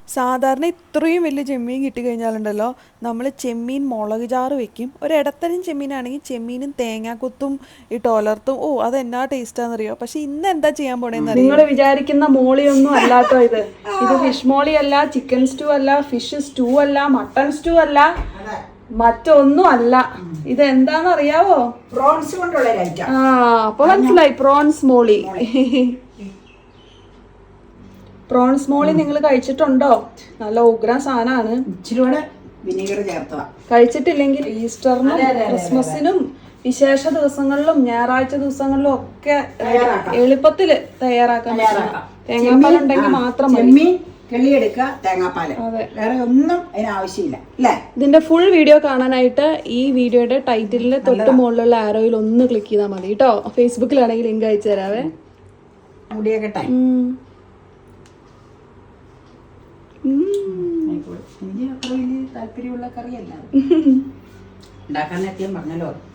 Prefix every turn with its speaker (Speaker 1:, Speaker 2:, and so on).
Speaker 1: സാധാരണ ഇത്രയും വലിയ ചെമ്മീൻ കിട്ടിക്കഴിഞ്ഞാലുണ്ടല്ലോ നമ്മൾ ചെമ്മീൻ മുളക് ചാറ് വെക്കും. ഒരിടത്തരം ചെമ്മീനാണെങ്കിൽ ചെമ്മീനും തേങ്ങാക്കൊത്തും ഇട്ട് ഒലർത്തും. ഓ അത് എന്നാ ടേസ്റ്റാണെന്നറിയോ. പക്ഷെ ഇന്ന് എന്താ ചെയ്യാൻ പോണേന്ന് നിങ്ങൾ വിചാരിക്കുന്ന മോളിയൊന്നും അല്ലാട്ടോ ഇത്. ഇത് ഫിഷ് മോളി അല്ല, ചിക്കൻ സ്റ്റൂ അല്ല, ഫിഷ് സ്റ്റൂ അല്ല, മട്ടൺ സ്റ്റൂ അല്ല, മറ്റൊന്നും അല്ല. ഇത് എന്താന്ന് അറിയാവോ?
Speaker 2: പ്രോൺസ് കൊണ്ടുള്ള ഐറ്റം.
Speaker 1: ആ അപ്പൊ മനസ്സിലായി, പ്രോൺസ് മോളി. പ്രോൺസ് മോളി നിങ്ങൾ കഴിച്ചിട്ടുണ്ടോ? നല്ല ഉഗ്ര സാധനമാണ്.
Speaker 2: ഇച്ചിരിയോടെ വിനീഗർ ചേർത്തതാ.
Speaker 1: കഴിച്ചിട്ടില്ലെങ്കിൽ ഈസ്റ്ററിനും ക്രിസ്മസിനും വിശേഷ ദിവസങ്ങളിലും ഞായറാഴ്ച ദിവസങ്ങളിലും ഒക്കെ എളുപ്പത്തില് തയ്യാറാക്കാൻ പറ്റും. തേങ്ങാപ്പാൽ ഉണ്ടെങ്കിൽ മാത്രം മതി.
Speaker 2: കിള്ളിയെടുക്കുക, തേങ്ങാപ്പാല്, വേറെ ഒന്നും അതിനാവശ്യമില്ല അല്ലേ.
Speaker 1: ഇതിന്റെ ഫുൾ വീഡിയോ കാണാനായിട്ട് ഈ വീഡിയോയുടെ ടൈറ്റിലിന്റെ തൊട്ട് മുകളിലുള്ള ആരോയിൽ ഒന്ന് ക്ലിക്ക് ചെയ്താൽ മതി കേട്ടോ. ഫേസ്ബുക്കിലാണെങ്കിൽ ലിങ്ക് അയച്ചു തരാവേ.
Speaker 2: മുടിയൊക്കെ എനിക്ക് അത്ര വലിയ താല്പര്യമുള്ള കറിയല്ല ഉണ്ടാക്കാൻ എത്തിയാൽ പറഞ്ഞല്ലോ.